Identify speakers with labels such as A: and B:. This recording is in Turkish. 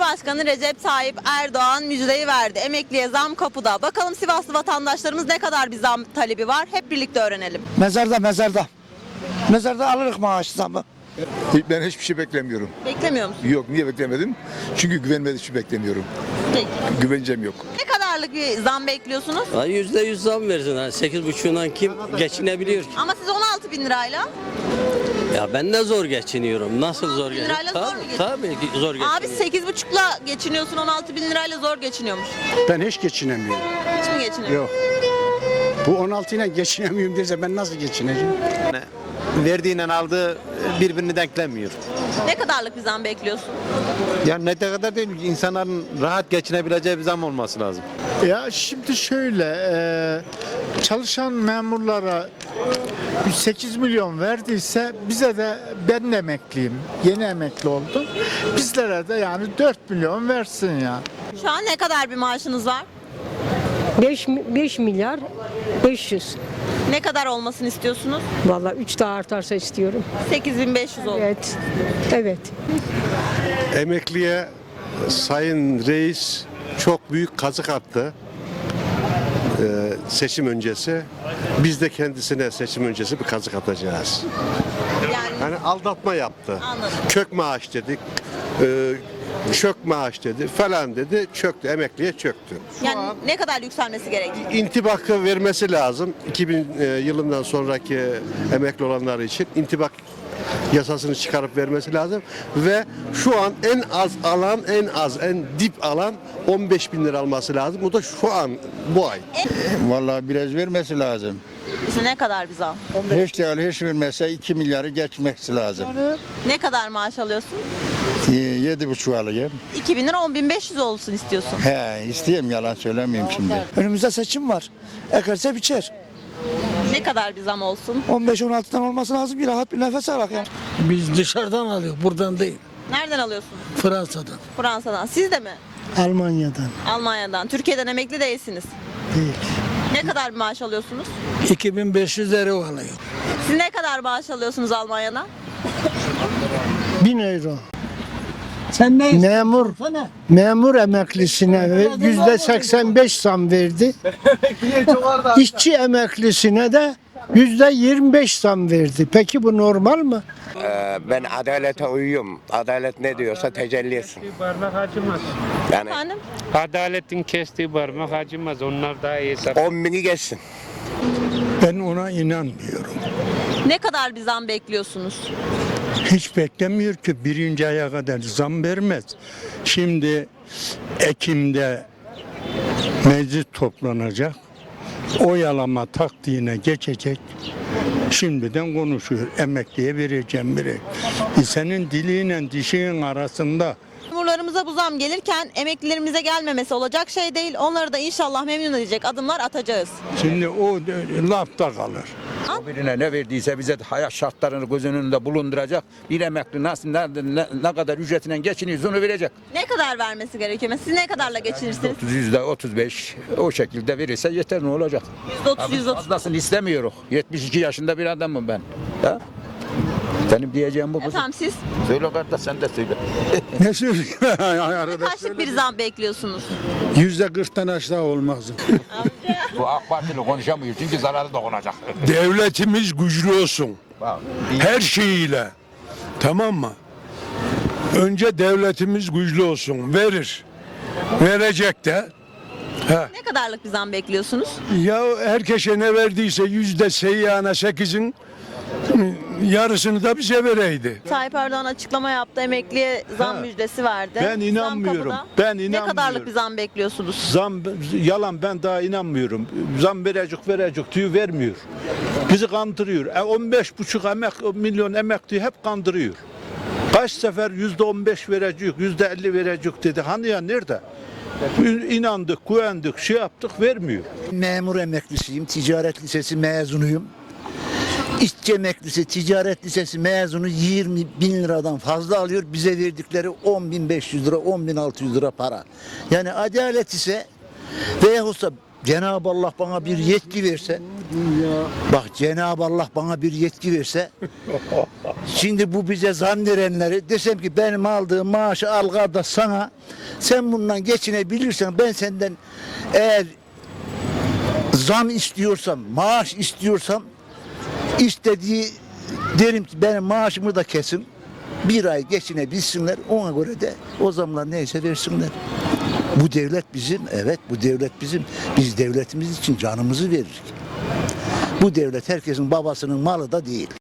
A: Cumhurbaşkanı Recep Tayyip Erdoğan müjdeyi verdi. Emekliye zam kapıda. Bakalım Sivaslı vatandaşlarımız ne kadar bir zam talebi var? Hep birlikte öğrenelim.
B: Mezarda. Mezarda alırız maaş zammı.
C: Ben hiçbir şey beklemiyorum.
A: Beklemiyor musun?
C: Yok, niye beklemedim? Çünkü güvenmediğim için beklemiyorum.
A: Peki.
C: Güvencem yok.
A: Ne kadarlık bir zam bekliyorsunuz?
D: %100 zam versin. Yani 8,5'undan kim geçinebiliyor ki?
A: Ama siz 16 bin lirayla.
D: Ya ben de zor geçiniyorum. Nasıl zor
A: 16 bin lirayla
D: geçiniyorum?
A: zor mu
D: Tabii ki zor
A: Abi
D: geçiniyorum.
A: 8,5'la geçiniyorsun, 16 bin lirayla zor geçiniyormuş.
E: Ben hiç geçinemiyorum.
A: Hiç mi geçiniyorsun?
E: Yok. Bu 16 ile geçinemiyorum derse ben nasıl geçineceğim?
F: Verdiğiyle aldığı birbirini denklemiyor.
A: Ne kadarlık bir zam bekliyorsun?
F: Yani ne kadar değil, insanların rahat geçinebileceği bir zam olması lazım.
G: Ya şimdi şöyle çalışan memurlara 8 milyon verdiyse bize de ben de emekliyim. Yeni emekli oldum. Bizlere de yani 4 milyon versin ya.
A: Şu an ne kadar bir maaşınız var?
H: 5 milyar 500.
A: Ne kadar olmasını istiyorsunuz?
H: Vallahi 3 daha artarsa istiyorum.
A: 8.500 oldu.
H: Evet. Evet.
I: Emekliye Sayın Reis çok büyük kazık attı seçim öncesi. Biz de kendisine seçim öncesi bir kazık atacağız.
A: Yani
I: Yani aldatma yaptı.
A: Anladım.
I: Kök maaş dedik, çök maaş dedi falan dedi, çöktü, emekliye çöktü.
A: yani ne kadar yükselmesi gerek?
I: İntibakı vermesi lazım. 2000 yılından sonraki emekli olanlar için intibak yasasını çıkarıp vermesi lazım ve şu an en az alan, en dip alan 15 bin lira alması lazım. O da şu an bu ay.
J: Vallahi biraz vermesi lazım.
A: İşte ne kadar bir zam?
J: Hiç değil, hiç vermese 2 milyarı geçmesi lazım.
A: Ne kadar maaş alıyorsun?
J: 7,5 alayım.
A: 2.000 lira 10.500 olsun istiyorsun.
J: He, isteyeyim, yalan söylemeyeyim şimdi.
B: Önümüzde seçim var. Ekerse biçer.
A: Ne kadar bir zam olsun?
B: 15-16'dan olması lazım ki rahat bir nefes alak yani.
K: Biz dışarıdan alıyoruz, buradan değil.
A: Nereden alıyorsun?
K: Fransa'dan,
A: Fransa'dan. Siz de mi?
K: Almanya'dan
A: Almanya'dan. Türkiye'den emekli değilsiniz.
K: değil.
A: Ne kadar bir maaş alıyorsunuz?
K: 2500 euro alıyor.
A: Siz ne kadar maaş alıyorsunuz Almanya'dan?
K: 1000 euro. Memur emeklisine %85 zam verdi. İşçi emeklisine de %25 zam verdi. Peki bu normal mi?
F: Ben adalete uyuyorum. Adalet ne diyorsa tecelli etsin.
L: Parmak acımaz.
F: Yani
A: Efendim?
L: Adaletin kestiği parmak acımaz. Onlar daha iyi.
F: 10 bini geçsin.
K: Ben ona inanmıyorum.
A: Ne kadar bir zam bekliyorsunuz?
K: Hiç beklemiyor ki birinci aya kadar zam vermez. Şimdi Ekim'de meclis toplanacak. Oyalama taktiğine geçecek. Şimdiden konuşuyor. Emekliye vereceğim biri. Senin diliyle dişinin arasında.
A: Memurlarımıza bu zam gelirken emeklilerimize gelmemesi olacak şey değil. Onları da inşallah memnun edecek adımlar atacağız.
K: Şimdi o lafta kalır.
J: Birine ne verdiyse bize hayat şartlarını göz önünde bulunduracak. Bir emekli nasıl, ne kadar ücretiyle geçiniyorsa onu verecek.
A: Ne kadar vermesi gerekiyor? Siz ne kadarla geçinirsiniz?
J: %35 o şekilde verirse yeter, ne olacak?
A: %30, %30.
J: Fazlasını istemiyoruz. 72 yaşında bir adamım ben. Ya? Benim diyeceğim bu.
A: Efendim siz
J: Söyle kardeş, sen de söyle.
K: Ne söyleyeyim?
A: kaçlık bir zam bekliyorsunuz?
K: %40'tan aşağı olmaz.
J: Bu AK Partili konuşamıyor çünkü zararı dokunacak.
I: Devletimiz güçlü olsun. Her şeyiyle. Tamam mı? Önce devletimiz güçlü olsun. Verir. Verecek de.
A: Ne kadarlık bir zam bekliyorsunuz?
I: Ya herkese ne verdiyse %8'in yarısını da bize vereydi.
A: Tayyip Erdoğan açıklama yaptı. Emekliye zam müjdesi verdi.
M: Ben
A: Zam
M: inanmıyorum.
A: kapıda.
M: Ben
A: Ne
M: inanmıyorum.
A: kadarlık bir zam bekliyorsunuz?
M: Zam yalan, ben daha inanmıyorum. Zam verecek diyor, vermiyor. Bizi kandırıyor. 15,5 milyon emekli hep kandırıyor. Kaç sefer %15 verecek, %50 verecek dedi. Hani ya nerede? İnandık, güvendik, şey yaptık, vermiyor.
B: Memur emeklisiyim. Ticaret lisesi mezunuyum. İşçi emeklisi, ticaret lisesi mezunu 20 bin liradan fazla alıyor. Bize verdikleri 10.500 lira, 10.600 lira para. Yani adalet ise veyahut da Cenab-ı Allah bana bir yetki verse, bak Cenab-ı Allah bana bir yetki verse, şimdi bu bize zam verenleri desem ki benim aldığım maaşı al kardeş sana, sen bundan geçinebilirsen ben senden eğer zam istiyorsam, maaş istiyorsam istediği derim ki benim maaşımı da kesin. Bir ay geçinebilsinler, ona göre de o zamlar neyse versinler. Bu devlet bizim, evet bu devlet bizim. Biz devletimiz için canımızı veririz. Bu devlet herkesin babasının malı da değil.